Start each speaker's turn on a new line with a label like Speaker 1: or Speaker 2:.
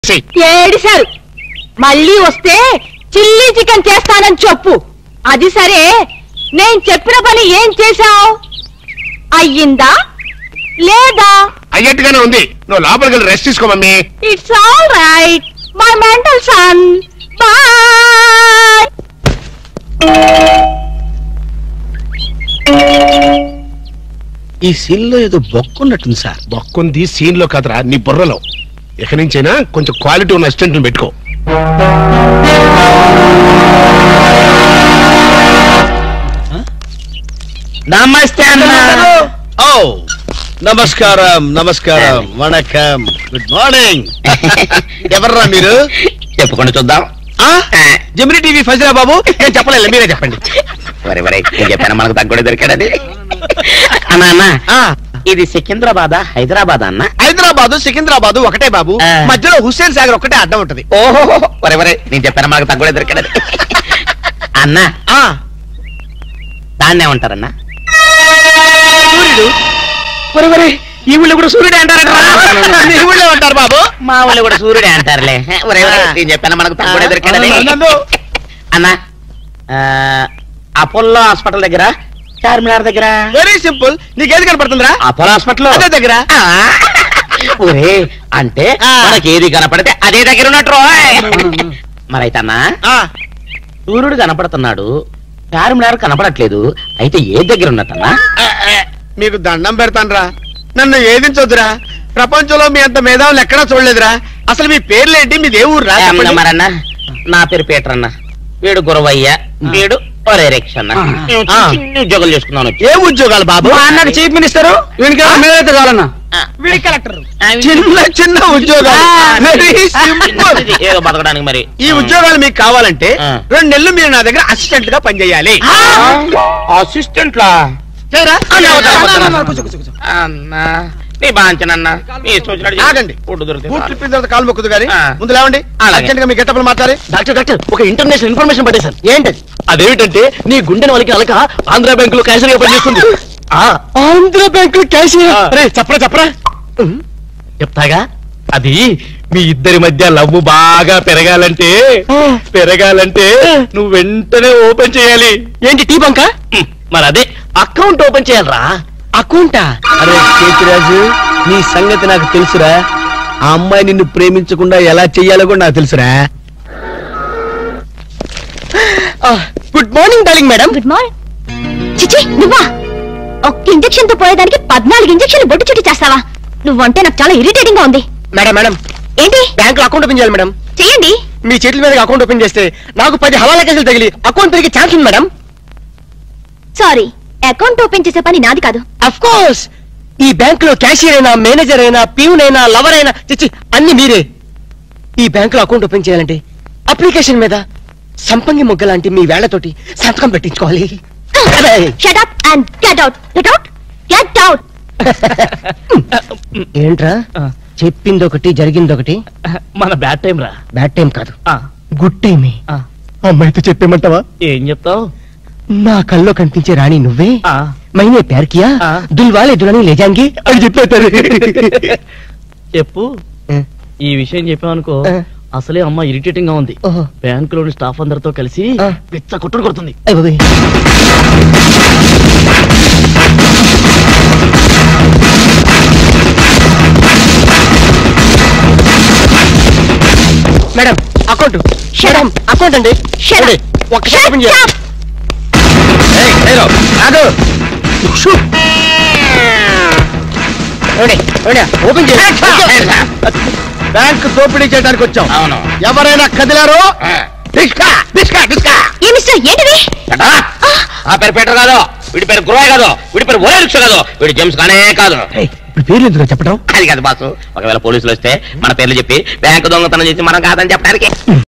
Speaker 1: ఏడిశారు. మళ్ళీ వస్తే chilli chicken చేస్తానని చెప్పు. అది సరే, నేను చెప్పిన పని ఏం చేశావు? అయ్యిందా లేదా?
Speaker 2: అయ్యట్టుగానే ఉంది. నువ్వు లోపలికి వెళ్ళి రెస్ట్ తీసుకో mummy.
Speaker 1: It's all right my mental son. Bye.
Speaker 3: ఈ సీన్ లో ఏదో బొక్కున్నట్టుంది సార్.
Speaker 2: బొక్కుంది సీన్ లో కదరా, నీ బుర్రలో. ఎక్కడి నుంచైనా కొంచెం క్వాలిటీ ఉన్న అసిస్టెంట్ పెట్టుకో.
Speaker 3: నమస్తే అన్న. ఓ నమస్కారం నమస్కారం వణకం గుడ్ మార్నింగ్. ఎవర్రా మీరు?
Speaker 4: చెప్పుకొని చూద్దాం.
Speaker 3: జమిని టీవీ ఫజరా బాబు. నేను చెప్పలేదు, మీరే చెప్పండి.
Speaker 4: వరే వరే నేను చెప్పాను మనకు తగ్గొడే దొరికాడని. అన్నా అన్న, ఇది సికింద్రాబాద్ హైదరాబాద్ అన్న?
Speaker 3: హైదరాబాదు సికింద్రాబాదు ఒకటే బాబు. మధ్యలో హుస్సేన్ సాగర్ ఒకటే అడ్డం ఉంటది.
Speaker 4: ఓహో వరే వరే నేను చెప్పాను మనకు తగ్గొడే దొరికాడని. అన్న దాన్నే ఉంటారన్న?
Speaker 3: సూర్యుడు. వరే వరే ఈ ఊళ్ళో కూడా సూర్యుడే అంటారట. ఈ ఊళ్ళో ఉంటారు బాబు.
Speaker 4: మా వాళ్ళు కూడా సూర్యుడే అంటారులే. వరే వరే నేను చెప్పాను మనకు తగ్గొడే దొరికాడని. అన్న అపోలో హాస్పిటల్ దగ్గర, చార్మినార్ దగ్గర.
Speaker 3: Very simple. నీకేది కనపడుతుందిరా?
Speaker 4: అపోలో హాస్పిటల్
Speaker 3: అదే దగ్గర.
Speaker 4: ఒరే అంటే మనకి ఏది కనపడితే అదే దగ్గర ఉన్నట్టు. మరైతే అన్న సూర్యుడు కనపడుతున్నాడు, చార్మినార్ కనపడట్లేదు. అయితే ఏ దగ్గర ఉన్నట్టన్నా?
Speaker 3: మీకు దండం పెడతానురా, నన్ను ఏదించొద్దురా. ప్రపంచంలో మీ అంత మేధావులు ఎక్కడా చూడలేదురా. అసలు మీ పేర్లేంటి, మీది ఏ ఊరు రా?
Speaker 4: మరన్నా నా పేరు పీటర్ అన్న, వీడు గురవయ్య, వీడు ఒరే రిక్ష అన్న. చిన్న ఉద్యోగాలు చేసుకున్నాను.
Speaker 3: ఏ ఉద్యోగాలు బాబు?
Speaker 4: అన్నకు చీఫ్ మినిస్టర్,
Speaker 3: మేమైతే కావాలన్నా కలెక్టర్. చిన్న చిన్న ఉద్యోగాలు.
Speaker 4: ఏదో బతకడానికి. మరి
Speaker 3: ఈ ఉద్యోగాలు మీకు కావాలంటే 2 నెలలు మీరు నా దగ్గర అసిస్టెంట్ గా పనిచేయాలి.
Speaker 4: అసిస్టెంట్ లా? అన్నా నీ బాంచనన్నా
Speaker 3: ఆగండి. బూట్లు ఇప్పిన తర్వాత కాలు మొక్కుదు గాని ముందు లేవండి. అర్జెంట్ గా మీ గెట్టపలు మాట్లాడి.
Speaker 5: డాక్టర్ ఒక ఇంటర్నేషనల్ ఇన్ఫర్మేషన్ పట్టేశారు. ఏంటది? అదేమిటంటే నీ గుండెని వాళ్ళకి అలక ఆంధ్ర బ్యాంక్ లో క్యాషియర్ గా పనిచేస్తుంది. ఆంధ్ర బ్యాంక్ లో క్యాషియర్? చెప్పరా చెప్తాగా. అది మీ ఇద్దరి మధ్య లవ్ బాగా పెరగాలంటే నువ్వు వెంటనే ఓపెన్ చేయాలి. ఏంటి టీ బంక? మరి అదే అకౌంట్ ఓపెన్ చేయాలరా.
Speaker 3: అకౌంటా?
Speaker 5: అరే కేతిరాజు, నీ సంగతి నాకు తెలుసురా. ఆ అమ్మాయి నిన్ను ప్రేమించకుండా ఎలా చెయ్యాలో కూడా నాకు తెలుసురా.
Speaker 3: Good morning darling madam.
Speaker 1: Good morning. చిచి నువ్వా? ఒక్క ఇంజెక్షన్ తో పోయేదానికి 14 ఇంజెక్షన్లు బొట్టు చుట్టి చేస్తావా? నువ్వంటే నాకు చాలా ఇరిటేటింగ్ గా ఉంది.
Speaker 3: మేడం మేడం
Speaker 1: ఏంటి?
Speaker 3: బ్యాంక్ లో అకౌంట్ ఓపెన్ చేయాలి మేడం.
Speaker 1: చెయ్యండి.
Speaker 3: మీ చేతుల మీద అకౌంట్ ఓపెన్ చేస్తే నాకు 10 హవాలా కేసులు తగిలి అకౌంట్ పెరిగే ఛాన్స్ ఉంది మేడం.
Speaker 1: సారీ, అకౌంట్ ఓపెన్ చేసే పని నాది కాదు.
Speaker 3: అఫ్ కోర్స్ ఈ బ్యాంక్ లో క్యాషియర్ అయినా, మేనేజర్ అయినా, ప్యూన్ అయినా, లవర్ అయినా, చిచ్చి అన్ని మీరే. ఈ బ్యాంక్ లో అకౌంట్ ఓపెన్ చేయాలంటే అప్లికేషన్ మీద సంపంగి మొగ్గ లాంటి మీ వేళ్లతోటి సంతకం పెట్టించుకోవాలి.
Speaker 1: Shut up and get out. Get out. Get out.
Speaker 3: ఏంట్రా చెప్పింది ఒకటి జరిగింది ఒకటి?
Speaker 5: మన బ్యాడ్ టైం రా.
Speaker 3: బ్యాడ్ టైం కాదు, గుడ్ టైమే. అమ్మాయితో చెప్పేమంటావా?
Speaker 5: ఏం చెప్తావు?
Speaker 3: నా కల్లో కనిపించే రాణి నువ్వే, మైనే ప్యార్ కియా, దుల్వాలే దుల్హనీ లే జాయేంగే అని చెప్పేస్తారు.
Speaker 5: చెప్పు. ఈ విషయం చెప్పావనుకో అసలే అమ్మ ఇరిటేటింగ్ గా ఉంది. బ్యాంక్ లోని స్టాఫ్ అందరితో కలిసి పిచ్చ కొట్టుడు కొడుతుంది.
Speaker 3: Madam account. మేడం అకౌంట్ అండి. ఒక్కసారి ఓపెన్ చేయాలి. ఓపెన్ చేయాలి. బ్యాంక్ దోపిడీ చేయడానికి వచ్చాం.
Speaker 4: అవును.
Speaker 3: ఎవరైనా కదిలారో
Speaker 4: ఆ పేరు పీటర్ కాదు, వీడి పేరు గురవయ్య కాదు, వీడి పేరు ఒరే రిక్ష కాదు, వీడి జేమ్స్ కానే కాదు.
Speaker 3: ఇప్పుడు పేర్లు ఎందుకు చెప్పడం?
Speaker 4: అది కాదు బాసు, ఒకవేళ పోలీసులు వస్తే మన పేర్లు చెప్పి బ్యాంకు దొంగతనం చేసి మనం కాదని చెప్పడానికి